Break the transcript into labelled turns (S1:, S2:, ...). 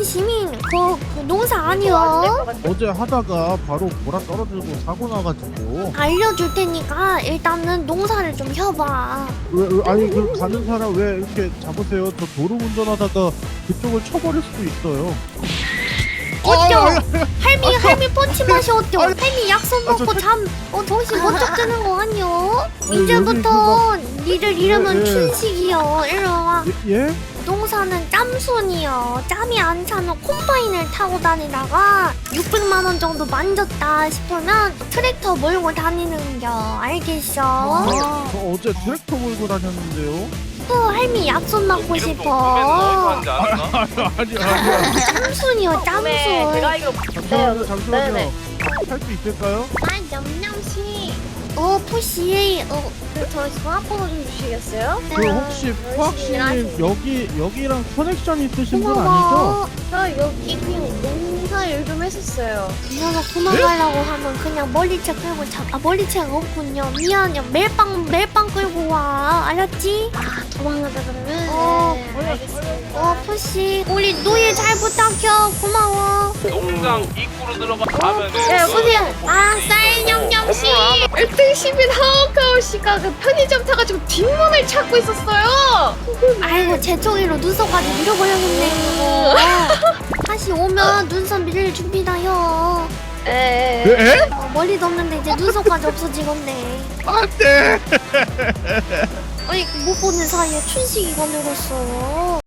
S1: 시민 그 농사 아니요.
S2: 어제 하다가 바로 보라 떨어지고 사고 나가지고.
S1: 알려줄 테니까 일단은 농사를 좀 혀봐.
S2: 아니 그 가는 사람 왜 이렇게 잡으세요? 저 도로 운전하다가 그쪽을 쳐버릴 수도 있어요.
S1: 어때요? 할미 펀치 맛이 어때요?
S2: 아니,
S1: 할미 약속 먹고 정신 번쩍 드는 거 아니요?
S2: 아니,
S1: 이제부터 니를 이름은
S2: 예.
S1: 춘식이요. 이리와.
S2: 예?
S1: 농사는 짬순이요. 짬이 안 차면 콤바인을 타고 다니다가 600만 원 정도 만졌다 싶으면 트랙터 몰고 다니는겨. 알겠어?
S2: 저 어제 트랙터 몰고 다녔는데요.
S1: 또 할미 약속 먹고
S3: 이름도
S1: 싶어.
S3: 어디서 하는지 아나?
S2: 아니.
S1: 짬순이요, 짬순.
S4: 제가 알기로
S2: 잠시만요.
S4: 네네.
S2: 할 수 있을까요?
S4: 아 냠냠씨
S1: 푸시.
S4: 저 전화번호 좀 주시겠어요?
S1: 네.
S2: 그 혹시 푸학씨님 여기랑 커넥션 있으신 분 아니죠?
S1: 고마워.
S4: 저 여기 그냥 농사 일 좀 했었어요.
S1: 이 녀석 도망가려고 하면 그냥 멀리채 끌고 멀리채가 없군요. 미안해. 멜빵 끌고 와. 알았지?
S4: 아 도망가다 그러면
S1: 네,
S4: 알겠습니다.
S1: 푸시. 우리 노예 잘 부탁해. 고마워.
S3: 농장 입구로 들어가면
S4: 네 여보세요. 아 쌀냠냠씨 1등 시민 하오카오 씨가 그 편의점 타가지고 뒷문을 찾고 있었어요.
S1: 아이고 제 종이로 눈썹까지 밀어버렸네 이거. 다시 오면 눈썹 밀릴 준비다요.
S4: 에.
S1: 머리도 없는데 이제 눈썹까지 없어지겠네.
S2: 안돼.
S1: 아니 못 보는 사이에 춘식이가 늘었어.